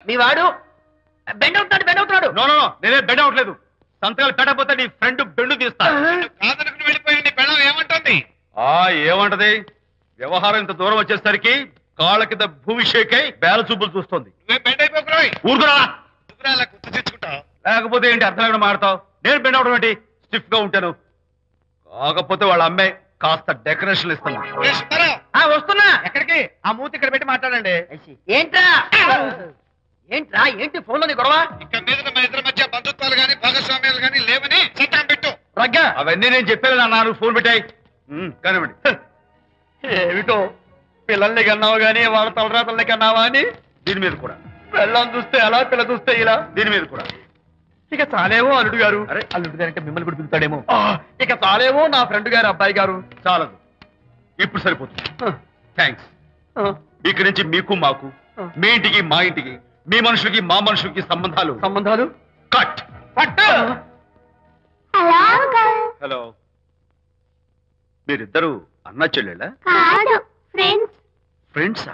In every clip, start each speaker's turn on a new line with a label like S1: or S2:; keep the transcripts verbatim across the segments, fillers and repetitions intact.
S1: మీ వాడు బెండ్ అవుతున్నాడు బెండ్ అవుతున్నాడు
S2: నో నో నేనే బెండ్ అవట్లేదు. సంతకాలు పెట్టకపోతే నీ ఫ్రెండ్ బెండు తీస్తా. వెళ్ళిపోయింది బెండం ఏమంటుంది? ఆ ఏమంటది? వ్యవహారం ఇంత దూరం వచ్చేసరికి కాళ్ళ కింద భూమిషేకై బేల చూపులు చూస్తుంది. ఊరుకురా గుర్తు తెచ్చుకుంటావు. లేకపోతే ఏంటి అర్థం లేకుండా మాడతావు? నేను బెండ్ అవడం ఏంటి? స్టిఫ్ గా ఉంటాను. కాకపోతే వాళ్ళ అమ్మాయి కాస్త డెకరేషన్ ఇస్తాను.
S1: వస్తున్నా.
S2: ఎక్కడికి? ఆ మూతి ఇక్కడ పెట్టి మాట్లాడండి.
S1: ఏంట్రా ఏంట్రా ఏంటి ఫోన్ లోని గొడవ?
S2: ఇక్కడ మీద మన ఇద్దరి మధ్య బంధుత్వాలు గాని భాగస్వామ్యాలు గాని లేవని సంతకం పెట్టు. రగ్గా అవన్నీ నేను చెప్పాను అన్నారు. ఫోన్ పెట్టాయి కానివ్వండి. ఏమిటో పిల్లల్ని కన్నావు గానీ వాళ్ళ తలరాతల్ని కన్నావా అని దీని మీద కూడా. పిల్లల్ని చూస్తే అలా పిల్ల చూస్తే ఇలా దీని మీద కూడా. ఇక చాలేమో అల్లుడు గారు. అరే అల్లుడు గారు అంటే మిమ్మల్ని కూడా పిలుతాడేమో. ఇక చాలేమో నా ఫ్రెండ్ గారు అబ్బాయి గారు. చాలదు, ఇప్పుడు సరిపోతుంది. థ్యాంక్స్. ఇక్కడి నుంచి మీకు మాకు, మీ ఇంటికి మా ఇంటికి, మీ మనుషులకి మా మనుషులకి సంబంధాలు సంబంధాలు కట్ కట్. హలో, మీరిద్దరు అన్న చెల్లెళ్ళా? ఫ్రెండ్సా?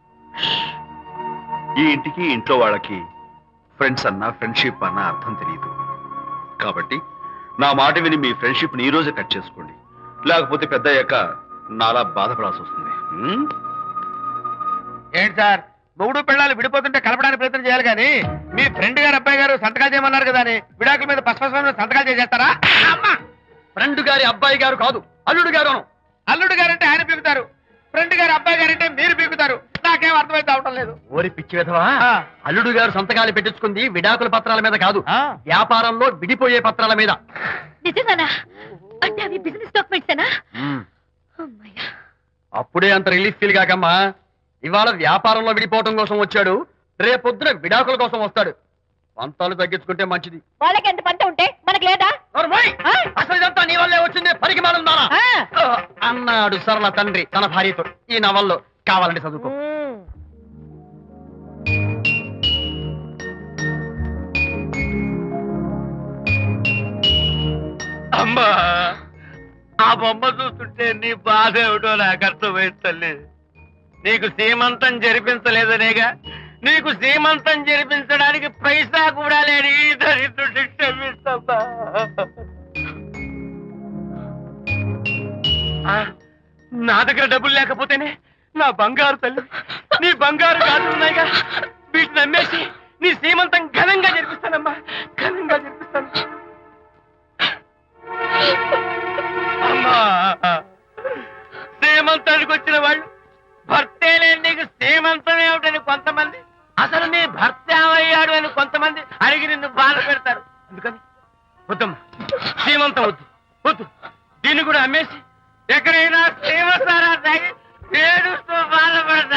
S2: ఈ ఇంటికి ఇంట్లో వాళ్ళకి ఫ్రెండ్స్ అన్న ఫ్రెండ్షిప్ అన్న అర్థం తెలియదు. కాబట్టి నా మాట విని మీ ఫ్రెండ్షిప్ ని ఈ రోజే కట్ చేసుకోండి. లేకపోతే పెద్ద అయ్యాక నాలా బాధపడాల్సి వస్తుంది. ఏంటి సార్, మొగుడు పిల్లలు విడిపోతుంటే కలపడానికి ప్రయత్నం చేయాలి కానీ మీ ఫ్రెండ్ గారు అబ్బాయి గారు సంతకాలు చేయమన్నారు కదా అని విడాకుల మీద పసుపస్వామి సంతకాలు చేసేస్తారా? ఫ్రెండ్ గారి అబ్బాయి గారు కాదు, అల్లుడు గారు. అల్లుడు గారు అంటే ఆయన పీకుతారు, ఫ్రెండ్ గారు అబ్బాయి గారు అంటే మీరు పీకుతారు. నాకేం అర్థమైతే అవటం లేదు. ఓరి పిచ్చి విధవా, అల్లుడు గారు సంతకాలు పెట్టించుకుంది విడాకుల పత్రాల మీద కాదు, వ్యాపారంలో విడిపోయే పత్రాల మీద. అప్పుడే అంత రిలీఫ్ ఫీల్ కాకమ్మా. ఇవాళ వ్యాపారంలో విడిపోవటం కోసం వచ్చాడు, రేపొద్దున విడాకుల కోసం వస్తాడు. పంతాలు తగ్గించుకుంటే మంచిది.
S3: వాళ్ళకి ఎంత పంట ఉంటే మనకి లేదా?
S1: అసలు ఇదంతా నీ వల్లే వచ్చింది పరిగమానం అన్నాడు సరళ తండ్రి తన భార్యతో. ఈ నవల్లో కావాలంటే చదువుకో.
S2: అమ్మా, ఆ బొమ్మ చూస్తుంటే నీ బాధ ఏమిటో నాకు అర్థమైంది తల్లి. నీకు సీమంతం జరిపించలేదనేగా, నీకు సీమంతం జరిపించడానికి పైసా కూడా లేని దరిద్రుడిని క్షమిస్తమ్మా. నా దగ్గర డబ్బులు లేకపోతేనే నా బంగారు తల్లి, నీ బంగారు గాజులు ఉన్నాయిగా, వీటిని నమ్మేసి నీ సీమంతం ఘనంగా జరిపిస్తానమ్మా, ఘనంగా జరిపిస్తాను. అమ్మా, సీమంతానికి వచ్చిన వాళ్ళు భర్తే లేని నీకు సీమంతం ఏమిటని కొంతమంది, అసలు నీ భర్త ఏమయ్యాడు అని కొంతమంది అడిగి నిన్ను బాధ పెడతారు. అందుకని వద్దమ్మా, సీమంతం వద్దు వద్దు. దీన్ని కూడా అమ్మేసి ఎక్కడైనా సీమసారా తాగి ఏడుస్తూ బాధపడతా.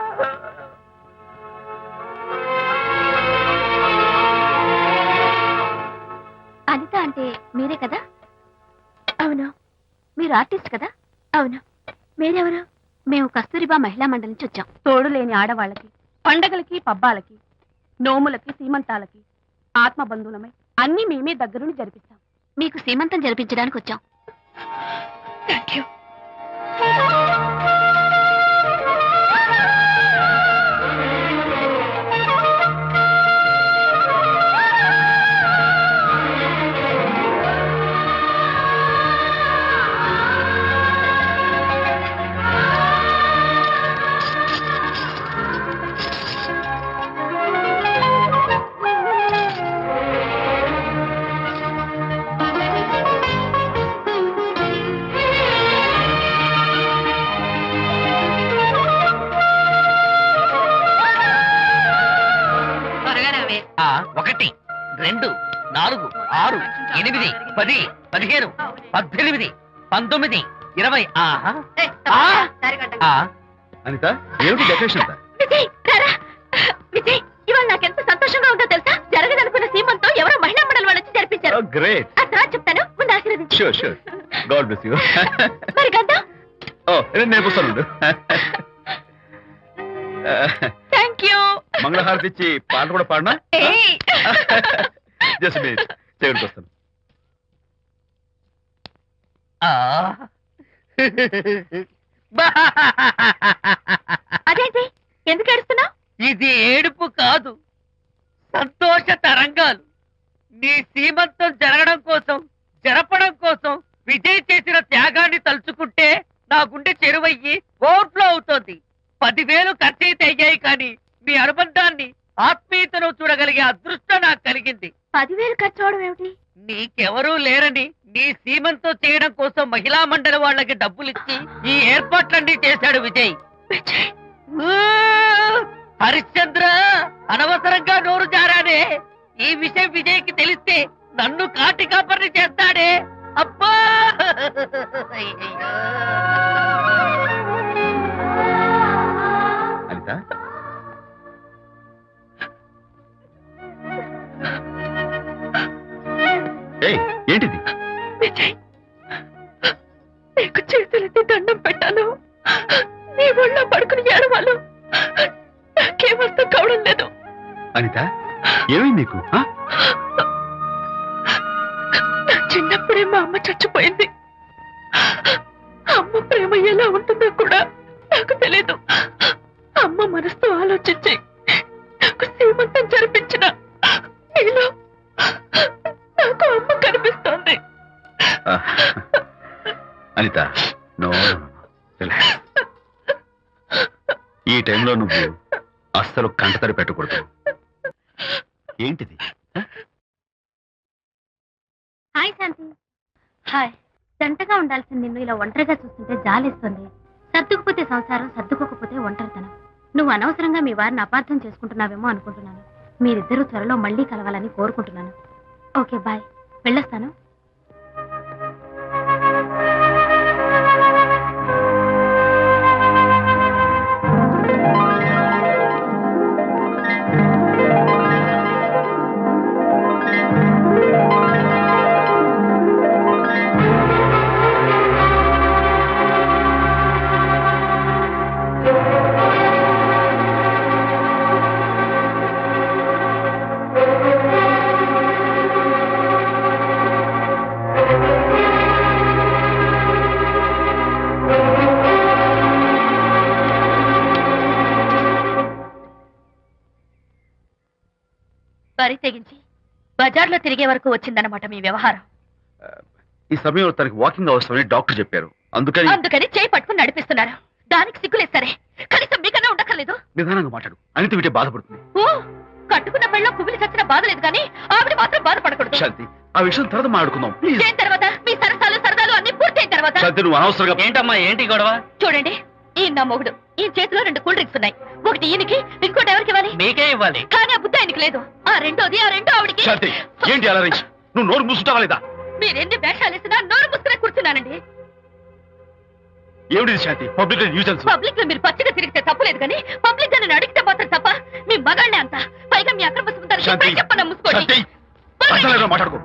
S3: అనిత అంటే మీరే కదా? అవును. మీరు ఆర్టిస్ట్ కదా? అవును. మీరెవరు? మేము కస్తూరిబా మహిళా మండలి నుంచి వచ్చాం. తోడు లేని ఆడవాళ్ళకి, పండగలకి, పబ్బాలకి, నోములకి, సీమంతాలకి ఆత్మబంధువులమై అన్ని మేమే దగ్గరుండి జరిపిస్తాం. మీకు సీమంతం జరిపించడానికి వచ్చాం. Thank you.
S1: ఒకటి, రెండు, నాలుగు, ఆరు, ఎనిమిది, పది, పదిహేను, పద్దెనిమిది, పంతొమ్మిది, ఇరవై. అనిత, ఏమిటి డెకరేషన్?
S3: విజయ్, విజయ్, ఇవాళ నాకెంత సంతోషంగా ఉందో తెలుసా? జరగదనుకున్న సీమంతో ఎవరో మహిళా మండలి వాళ్ళు వచ్చి జరిపించారు.
S1: గ్రేట్.
S3: ఆ తర్వాత చెప్తాను, ముందు ఆశీర్వదించు.
S1: Sure sure. God bless you.
S3: మరి గంధం?
S1: ఓ, నేను వస్తాను.
S3: Thank you.
S1: మంగళహారతి ఇచ్చి పాట కూడా పాడనా? జస్ట్ మినిట్, చేయడానికి వస్తాను.
S3: అదేంటి, ఎందుకు ఏడుస్తున్నావు?
S1: ఇది ఏడుపు కాదు,
S4: సంతోష తరంగాలు. నీ సీమంతం జరగడం కోసం, జరపడం కోసం విజయ్ చేసిన త్యాగాన్ని తలుచుకుంటే నా గుండె చెరువయ్యి ఓవర్ఫ్లో అవుతోంది. పదివేలు ఖర్చయితే అయ్యాయి కానీ మీ అనుబంధాన్ని, ఆత్మీయతను చూడగలిగే అదృష్టం నాకు కలిగింది.
S3: పదివేలు ఖర్చు అవడం ఏమిటి?
S4: నీకెవరూ లేరని నీ సీమంతం చేయడం కోసం మహిళా మండలి వాళ్ళకి డబ్బులిచ్చి ఈ ఏర్పాట్లన్నీ చేశాడు విజయ్. ఊ! హరిశ్చంద్ర, అనవసరంగా నోరు జారానే. ఈ విషయం విజయ్కి తెలిస్తే నన్ను కాటి కాపర్ని చేస్తాడే. అబ్బా! అయ్యయ్యో.
S2: అనిత, ఏయ్, ఏంటిది?
S3: విజయ్, నీకు చేతులెత్తి దండం పెట్టాను. నీ ఒళ్ళో పడుకుని ఏడవాళ్ళు నాకేమర్థం కావడం లేదు.
S2: అనిత, ఏమైంది నీకు? ఆ?
S3: నా చిన్నప్పుడే మా అమ్మ చచ్చిపోయింది. అమ్మ ప్రేమ ఎలా ఉంటుందో కూడా నాకు తెలీదు. అమ్మ మనసుతో ఆలోచించి నాకు సీమంతం జరిపించిన నీలో నాకు అమ్మ కనిపిస్తోంది.
S2: ఆ. Anita, no, relax. ఈ టైంలో నువ్వు అస్సలు కంటతడి పెట్టకూడదు. ఏంటిది?
S3: హాయ్ శాంతి. హాయ్. జంటగా ఉండాల్సిన నిన్ను ఇలా ఒంటరిగా చూస్తుంటే జాలేస్తుంది. సర్దుకుపోతే సంసారం, సర్దుకోకపోతే ఒంటరితనం. నువ్వు అనవసరంగా మీ వారిని అపార్థం చేసుకుంటున్నావేమో అనుకుంటున్నాను. మీరిద్దరూ త్వరలో మళ్ళీ కలవాలని కోరుకుంటున్నాను. Okay, bye. వెళ్ళొస్తాను. వరి తెగించి బజార్లో తిరిగే వరకు వచ్చిందన్నమాట మీ వ్యవహారం.
S2: ఈ సమయంలో తనకి వాకింగ్ అవసరమని డాక్టర్ చెప్పారు. అందుకని
S3: అందుకని చేయి పట్టుకుని నడిపిస్తున్నారు. దానికి సిగ్గులేదు సరే, కనీసం మీకన్నా ఉండక్కర్లేదు.
S2: నిదానంగా మాట్లాడు. అనిత వింటే బాధపడుతుంది.
S3: ఓ, కట్టుకున్న పెళ్ళలో కుమిలి చచ్చిన బాధ లేదు కానీ ఆవిడ మాత్రం బాధపడకూడదు.
S2: శాంతి, ఆ విషయం తర్వాత మాట్లాడుకుందాం ప్లీజ్.
S3: దేని తర్వాత? మీ సరసాలు సరదాలు అన్ని పూర్తయిన తర్వాత.
S2: శాంతి, నువ్వు అనవసరంగా.
S4: ఏంటమ్మా, ఏంటి గొడవ?
S3: చూడండి, ఈ నా మొగుడు, ఈ చేతిలో రెండు కూల్ డ్రింక్స్ ఉన్నాయి. ఒకటి ఈయనకి, ఇంకోటి ఎవరికి ఇవ్వాలి?
S4: మీకే ఇవ్వాలి.
S3: కానీ ఆ బుద్ధి ఆయనకి లేదు. ఆ రెండోది, ఆ రెండో ఆవిడికి.
S2: శాంతి, ఏంటి అలా రేయ్? నువ్వు నోరు మూసుకుంటావా లేదా?
S3: మీరెన్ని వేషాలు వేసినా నోరు ముసుకునే కూర్చున్నానండి.
S2: ఏమిటి శాంతి? Public nuisance.
S3: పబ్లిక్ లో మీరు పచ్చిగా తిరిగితే తప్పలేదు కానీ పబ్లిక్ గా నన్ను అడిగితే మాత్రం తప్ప. మీ మగాళ్ళే అంత. పైగా మీ అక్రమ సుందరం
S2: శాంతి,
S3: చెప్పన్నా ముసుకోండి.
S2: శాంతి, అసలు మాట్లాడుకో.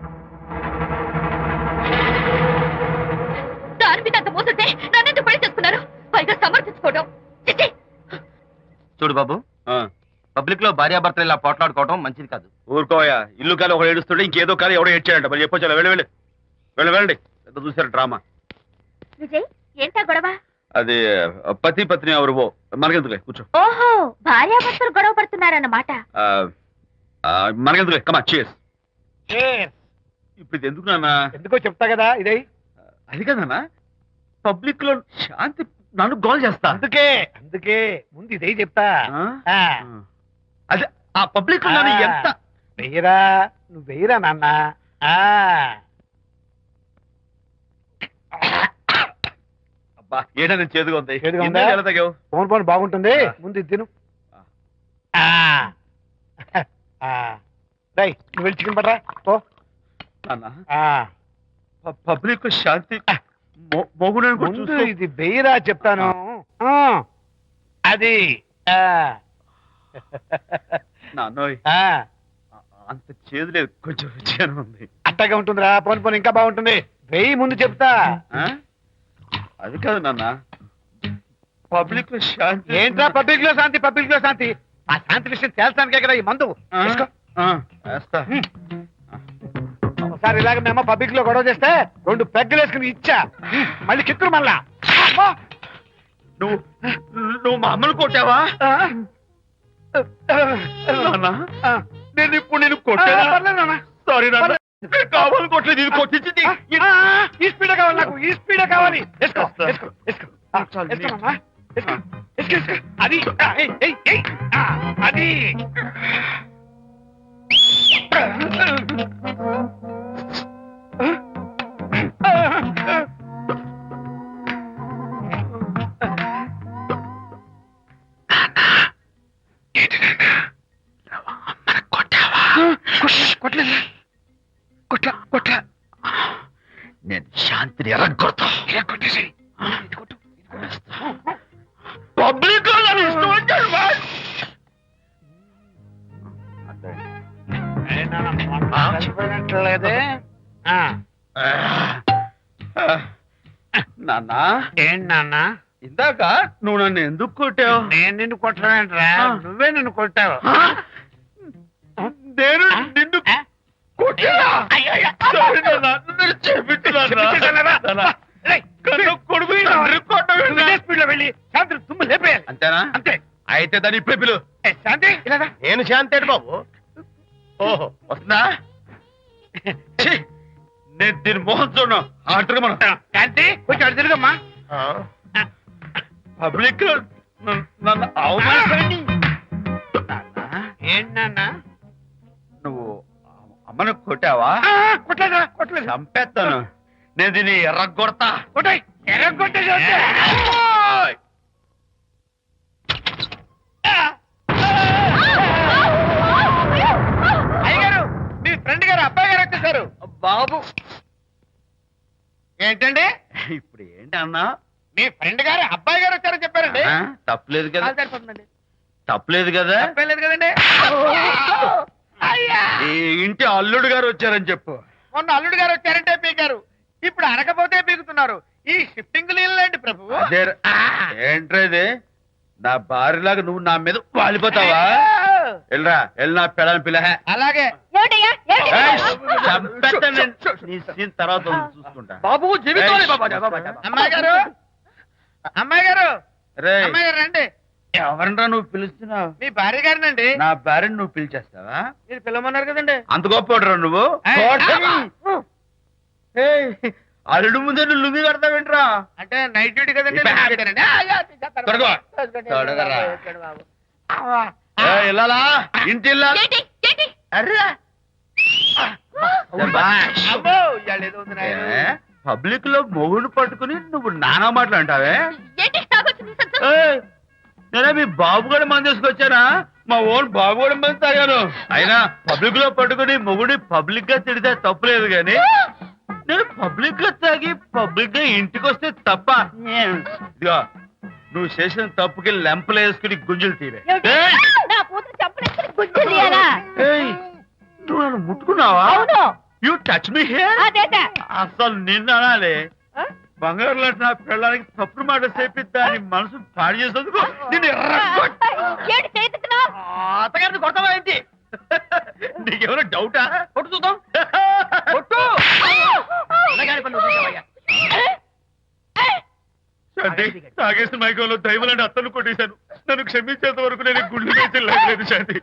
S3: దాని మీద అంత మోసంటే నన్నెందుకు పడి చేసుకున్నారు? పైగా సమర్థించుకోవడం. చిచ్చి.
S1: చూడు బాబు, పబ్లిక్ లో భార్యాభర్తలు ఇలా పోట్లాడుకోవడం మంచిది కాదు.
S2: ఊరుకోయా. ఇల్లు కాలి ఒకడు ఏడుస్తుంటే ఇంకేదో కాలి ఎవడో ఏడ్చాడంట. మరి చెప్పొచ్చు. వెళ్ళి వెళ్ళి వెళ్ళి వెళ్ళండి. ఎంత చూసారు డ్రామా.
S3: విజయ్, ఏంటా గొడవ?
S2: అది పతి పత్ని ఎవరు మనకెందుకులే, కూర్చో.
S3: ఓహో, భార్యాభర్తలు గొడవ పడుతున్నారన్నమాట.
S2: ఆ, ఆ, మనకెందుకులే, కమా చేస్. ఇప్పుడు ఇది ఎందుకు నాన్న?
S5: ఎందుకో చెప్తా కదా ఇదే.
S2: అది కదన్నా, పబ్లిక్ లో శాంతి నన్ను గోల్ చేస్తా.
S5: అందుకే అందుకే ముందు ఇదే చెప్తా.
S2: ఆ?
S5: ఆ,
S2: అదే ఆ పబ్లిక్ లో నన్ను
S5: ఆ.
S2: ఎంత
S5: వెయ్యరా, నువ్వు వెయ్యరా నాన్న. ఆ,
S2: అబ్బా, ఏడని చేదుగా ఉంది.
S5: చేదుగా ఉందా?
S2: ఇందాక ఎలా తాగావు?
S5: ఫోన్ ఫోన్ బాగుంటుంది. ముందు ఇది తిను. ఆ, ఆ. రేయ్, నువ్వు వెళ్ళి చికెన్ పడరా ఓ.
S2: నాన్న,
S5: ఆ,
S2: ప- పబ్లిక్ లో శాంతి మొ- మొగుడని కూడా
S5: ముందు
S2: చూస్తూ-
S5: ఇది వెయ్యరా చెప్తాను. ఆ, అది. ఆ,
S2: నాన్నోయ్,
S5: ఆ,
S2: అంత చేదు లేదు, కొంచెం రుచిగానే ఉంది.
S5: అట్టగా ఉంటుందిరా. పోను పోను ఇంకా బాగుంటుంది. వెయ్యి ముందు చెప్తా.
S2: ఆ? అది కాదు నాన్న, పబ్లిక్ లో శాంతి
S5: ఏంట్రా పబ్లిక్ లో శాంతి, పబ్లిక్ లో శాంతి? ఆ శాంతి విషయం తేల్చడానికే కదా ఈ మందు.
S2: ఆ?
S5: తీసుకో.
S2: ఆ, వేస్తా.
S5: ఒకసారి ఇలాగ మేము పబ్లిక్ లో గొడవ చేస్తే రెండు పెగ్గలు వేసుకుని ఇచ్చా. మళ్ళీ కిక్కురు మళ్ళా. అమ్మా!
S2: నువ్వు నువ్వు మా అమ్మను కొట్టావా?
S5: ఆ?
S2: నాన్న,
S5: ఆ.
S2: నేను ఇప్పుడు నేను కొట్టాను సారీ నాన్న కావాలి కొట్టలేదు ఇది కొట్టించింది
S5: ఈ స్పీడ్ కావాలి నాకు ఈ స్పీడ్ కావాలి వేసుకో వేసుకో వేసుకో ఆ, వేసుకోమ్మా. వేసుకో, వేసుకో, వేసుకో. అది ఆ, ఏయ్, ఏయ్, ఏయ్. ఆ, అది కొట్టలేదు కొట్ల కొట్ల
S2: నేను శాంతిని ఎరగొడతా
S5: కొట్టేసి
S2: పబ్లిక్
S5: చనిపోయినట్లేదే
S2: నాన్న
S5: ఏంటి నాన్న
S2: ఇందాక నువ్వు నన్ను ఎందుకు కొట్టావు
S5: నేను నిన్ను కొట్టలేంట్రా నువ్వే నిన్ను కొట్టావు
S2: నేను నిన్ను కొట్టానా? Sorry నాన్న, నన్ను క్షమించు నాన్న. కన్ను కొడుకు తండ్రి కొట్టవేంటి?
S5: స్పీడ్ లో వెళ్ళి శాంతి తుమ్ము లేపేయాలి
S2: అంతేనా
S5: అంతే
S2: అయితే దాని ఇప్పుడే పిలు
S5: ఏ, శాంతి ఇలా రా.
S2: నేను శాంతేడు బాబు ఓహో వస్తున్నా ఛీ, నేను దీని మోహన్ చూడను అంటారు మనం
S5: శాంతి కొంచెం అటు తిరుగమ్మా
S2: పబ్లిక్ లో నన్ను- నన్ను అవమానించండి
S5: ఏంటి నాన్న
S2: నువ్వు అమ్మను కొట్టావా
S5: ఆ, కొట్టలేదురా కొట్టలేదు
S2: చంపేస్తాను నేను దీన్ని ఎర్రగొడతా
S5: కొట్టాయి ఎర్ర కొట్టేసి వస్తే. అయ్యగారు మీ ఫ్రెండ్ గారు అబ్బాయి గారు వచ్చేసారు
S1: బాబు
S5: ఏంటండి
S2: ఇప్పుడు ఏంటి అన్నా
S5: మీ ఫ్రెండ్ గారు అబ్బాయి గారు వచ్చారని చెప్పారండి
S2: ఆ, తప్పులేదు కదా
S5: కాలు సరిపోతుందండి
S2: తప్పులేదు కదా
S5: తప్పేలేదు కదండి అయ్యా
S2: ఈ ఇంటి అల్లుడు గారు వచ్చారని చెప్పు
S5: మొన్న అల్లుడు గారు వచ్చారంటే పీకారు ఇప్పుడు అనకపోతే పీకుతున్నారు ఈ షిఫ్టింగ్ లేదండి ప్రభు
S2: అదే ఏంట్రా ఇది నా భార్యలాగా నువ్వు నా మీద వాలిపోతావా వెళ్ళరా వెళ్ళి నా పెళ్ళని పిల్ల
S5: అలాగే
S3: ఏమిటయ్యా
S2: నీ సీన్ తర్వాత ఉంది, చూసుకుంటా
S1: బాబు జీవితాలే బాబా
S5: అమ్మాయి గారు అమ్మాయి గారు
S2: రేయ్,
S5: అమ్మాయి గారు రండి
S2: ఎవరినరా నువ్వు పిలుస్తున్నావు
S5: మీ భార్య గారినండి
S2: నా భార్యను నువ్వు పిలిచేస్తావా
S5: మీరు పిల్లమన్నారు కదండి
S2: అంత గొప్ప నువ్వు
S5: ఏయ్,
S2: కోటమి. ఏయ్, అల్లుడు ముందే నువ్వు లుంగి కడతావేంట్రా
S5: అంటే నైట్ డ్యూటీ కదండి
S2: ఇప్పుడు
S5: night duty నండి. ఆ, యా, తీసేస్తాను.
S2: తొడగో.
S5: తీసుకోండి.
S2: తొడగరా.
S5: తీసుకోండి బాబు. ఆ,
S2: ఏయ్, ఇల్లాలా ఇంటి ఇల్లాలా? అర్రా. శభాష్.
S5: అబ్బో, ఇవాళ ఏదో ఉంది నాయన.
S2: ఏ, పబ్లిక్ లో మొగుడు పట్టుకుని నువ్వు నానా మాటలు అంటావే
S3: ఏంటి తాగొచ్చింది
S2: ఏయ్, నేనే మీ బాబు కూడా మంది తీసుకొచ్చానా మా ఓన్ బాబు కూడా మంది తాగాను అయినా పబ్లిక్ లో పట్టుకుని మొగుడి పబ్లిక్ గా తిడితే తప్పులేదు గాని నేను పబ్లిక్ గా తాగి పబ్లిక్ గా ఇంటికి వస్తే తప్ప ఇదిగో నువ్వు చేసిన తప్పుకి లెంపలు వేసుకుని గుంజులు తీరే ఏయ్,
S3: నా కూతురు చంపలేసుకుని గుజ్జు తీయాలా
S2: ఏయ్, నువ్వు నన్ను ముట్టుకున్నావా
S3: అవును
S2: యూ టచ్ మీ హియర్
S3: అదేట
S2: అసలు నిన్ను అనాలి బంగారు లాంటి నా పిల్లలకి తప్పుడు మాట చెప్పి దాని మనసు పాడు చేసేందుకు నిన్ను ఎర్రగొట్ట-
S3: ఏంటి చేతుకున్నావు
S1: అత్తగారిని కొడతావా ఏంటి
S2: నీకేమైనా డౌటా
S1: కొట్టు చూద్దాం కొట్టు అన్నగారి పనులు చూసావయ్యా.
S2: శాంతి తాగేసిన మైకంలో దైవం లాంటి అత్తను కొట్టేశాను నన్ను క్షమించేంత వరకు నేను ఈ గుళ్ళు వేసి లేదు శాంతి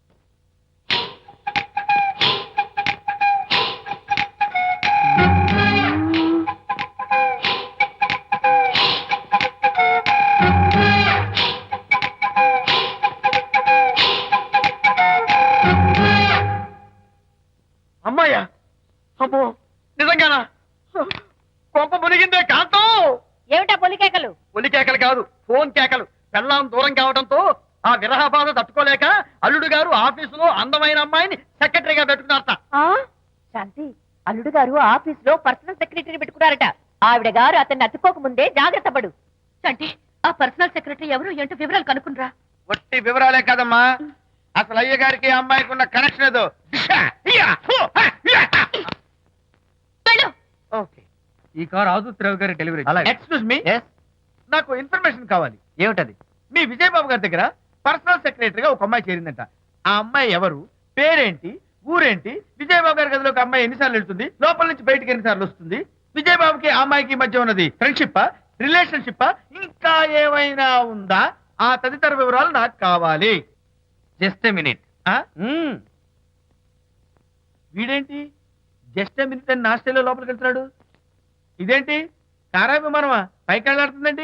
S1: అమ్మాయ్యా అమ్మో నిజంగానా కొంప మునిగిందే కాంతం
S3: ఏమిటా పొలికేకలు
S1: ఒలి కేకలు కాదు ఫోన్ కేకలు పెళ్ళాం దూరం కావడంతో ఆ విరహ బాధ తట్టుకోలేక అల్లుడు గారు ఆఫీసులో అందమైన అమ్మాయిని సెక్రటరీగా పెట్టుకున్నారట
S3: శాంతి అల్లుడు గారు ఆఫీస్ లో పర్సనల్ సెక్రటరీ పెట్టుకున్నారట ఆవిడ గారు అతన్ని అతుక్కోక ముందే జాగ్రత్త పడు అంటే ఆ పర్సనల్ సెక్రటరీ ఎవరు ఏంటో వివరాలు కనుక్కునరా
S5: ఒట్టి వివరాలే కదమ్మా అసలు అయ్య గారికి ఆ అమ్మాయికి ఉన్న కనెక్షన్ ఏదో ఓకే
S4: ఈ కార్ ఆదుత్రావు గారి డెలివరీ
S5: ఎక్స్క్యూజ్ మీ నాకు ఇన్ఫర్మేషన్ కావాలి
S4: ఏమిటది
S5: మీ విజయబాబు గారి దగ్గర పర్సనల్ సెక్రటరీగా ఒక అమ్మాయి చేరిందంట ఆ అమ్మాయి ఎవరు పేరేంటి ఊరేంటి విజయబాబు గారి గదిలో ఒక అమ్మాయి ఎన్నిసార్లు వెళ్తుంది లోపల నుంచి బయటికి ఎన్నిసార్లు వస్తుంది విజయబాబుకి ఆ అమ్మాయికి మధ్య ఉన్నది ఫ్రెండ్షిప్ రిలేషన్షిప్ ఇంకా ఏమైనా ఉందా ఆ తదితర వివరాలు నాకు కావాలి
S4: జస్ట్ మినిట్
S5: ఆ? వీడేంటి జస్ట్ మినిట్ అని నాస్టేలో లోపలికి వెళ్తున్నాడు. ఇదేంటి కారా విమానమా పైకి వెళ్ళాడుతుందండి.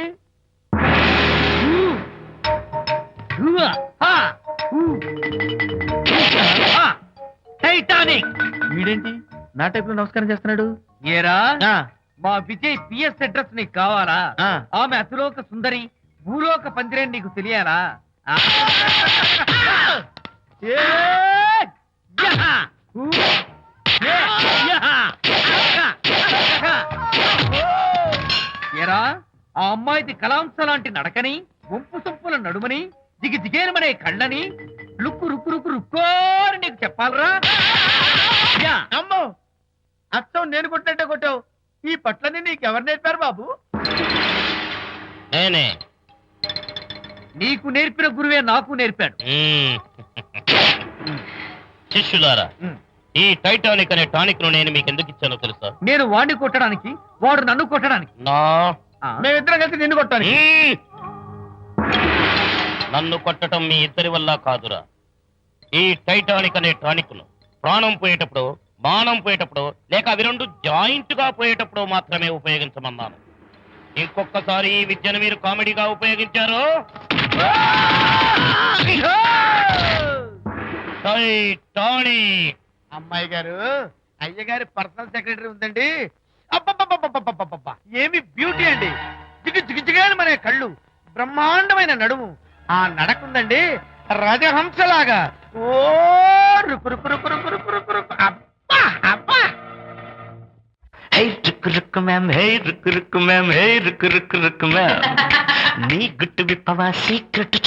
S4: టైటానిక్.
S5: వీడేంటి నా టైప్ లో నమస్కారం చేస్తున్నాడు.
S4: ఏరా
S5: ఆ,
S4: మా విజయ్ పిఎస్ అడ్రస్ నీకు కావాలా?
S5: ఆ.
S4: ఆమె అతిలోక సుందరి భూలోక పందిరే నీకు తెలియాలా? ఆ.
S5: ఏ,
S4: యహ! ఊ! ఏ! యహ! యహ! ఏరా ఆ అమ్మాయిది కలాంస లాంటి నడకని, వంపు సొంపుల నడుమని, దిగి దిగేలమనే కళ్ళని, లుక్కు రుక్కు రుక్కు రుక్కోని నీకు చెప్పాలరా? యా!
S5: అమ్మో అచ్చం నేను కొట్టినట్టే కొట్టావు. ఈ పట్లని నీకెవరు నేర్పారు బాబు?
S6: నేనే.
S4: నీకు నేర్పిన గురువే నాకు నేర్పాడు.
S6: మ్మ్. శిష్యులారా,
S5: మ్మ్.
S6: ఈ టైటానిక్ అనే టానిక్ ను నేను మీకు ఎందుకు ఇచ్చానో తెలుసా?
S4: నేను వాడిని కొట్టడానికి, వాడు నన్ను కొట్టడానికి.
S6: నా
S4: ఆ?
S5: మేమిద్దరం కలిసి నిన్ను కొట్టాను.
S6: మ్మ్. నన్ను కొట్టడం మీ ఇద్దరి వల్ల కాదురా. ఈ టైటానిక్ అనే టానిక్ ను ప్రాణం పోయేటప్పుడు, మానం పోయేటప్పుడు, లేక అవి రెండు జాయింట్ గా పోయేటప్పుడు మాత్రమే ఉపయోగించమన్నాను. ఇంకొకసారి ఈ విద్యను మీరు కామెడీగా ఉపయోగించారు, టైటానిక్.
S5: అమ్మాయి గారు అయ్య గారి పర్సనల్ సెక్రటరీ ఉందండి. అబ్బబ్బబ్బబ్బబ్బబ్బబ్బబ్బ! ఏమి బ్యూటీ అండి. జిగు జిగు జిగాని మనే కళ్ళు, బ్రహ్మాండమైన నడుము, ఆ నడకుందండి రజహంసలాగా. ఓ రుకు రుకు రుకు రుకు రుకు రుకు రుకు. అబ్బా అబ్బా!
S6: Hey Rukku Rukku ma'am, hey Rukku Rukku ma'am, hey Rukku Rukku Rukku ma'am. నీ గుట్టు విప్పవా సీక్రెట్